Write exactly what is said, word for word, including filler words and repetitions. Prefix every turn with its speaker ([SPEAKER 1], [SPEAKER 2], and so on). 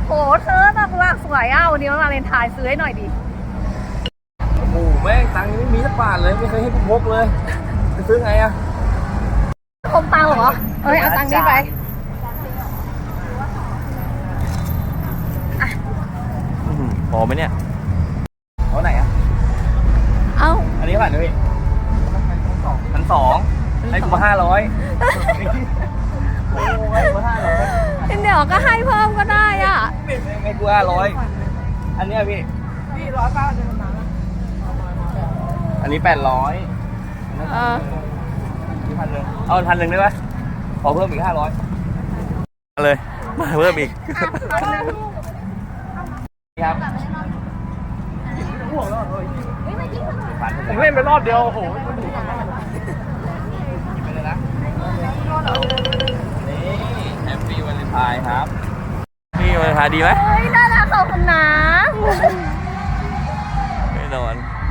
[SPEAKER 1] โหเธอแบบว่าสวยอ่ะวันนี้วันวาเลนไทน์ซื้อให้หน่อยดิ
[SPEAKER 2] โอ้โหแม่งตังค์ยังไม่มีสักบาทเลยไม่เคยให้กูพกเลยจะซื้อไงอะ
[SPEAKER 1] คมตังค์เหรอเอ้ยเอาตังค์นี้ไป
[SPEAKER 2] พอไหมเนี่ยเอาไหนอะ
[SPEAKER 1] เอ้า
[SPEAKER 2] อันนี้ผ่านเลยพันสองให้กูมาห้าร้อยโอ้ยกูห้าร้อย
[SPEAKER 1] เดี๋ยวก็ให้เพิ่มก็ได้อ่ะ
[SPEAKER 2] ให้กูห้าร้อยอันนี้พี่พี่ร้อยเก้าเดือนมาอันนี้แปดร้อย
[SPEAKER 1] เออ
[SPEAKER 2] นี่พันหนึ่งเอาพันหนึ่งได้ไหมขอเพิ่มอีกห้าร้อยเลยมาเพิ่มอีกครับผมเล่นไปรอบเดียวโอ้โหไปเลยนะนี่แฮปปี้วาเลนไทน์ครับนี่วาเลนไทน์ดีไหม
[SPEAKER 1] เฮ้ยน่ารักขอบคุณนะ
[SPEAKER 2] ไม่นอน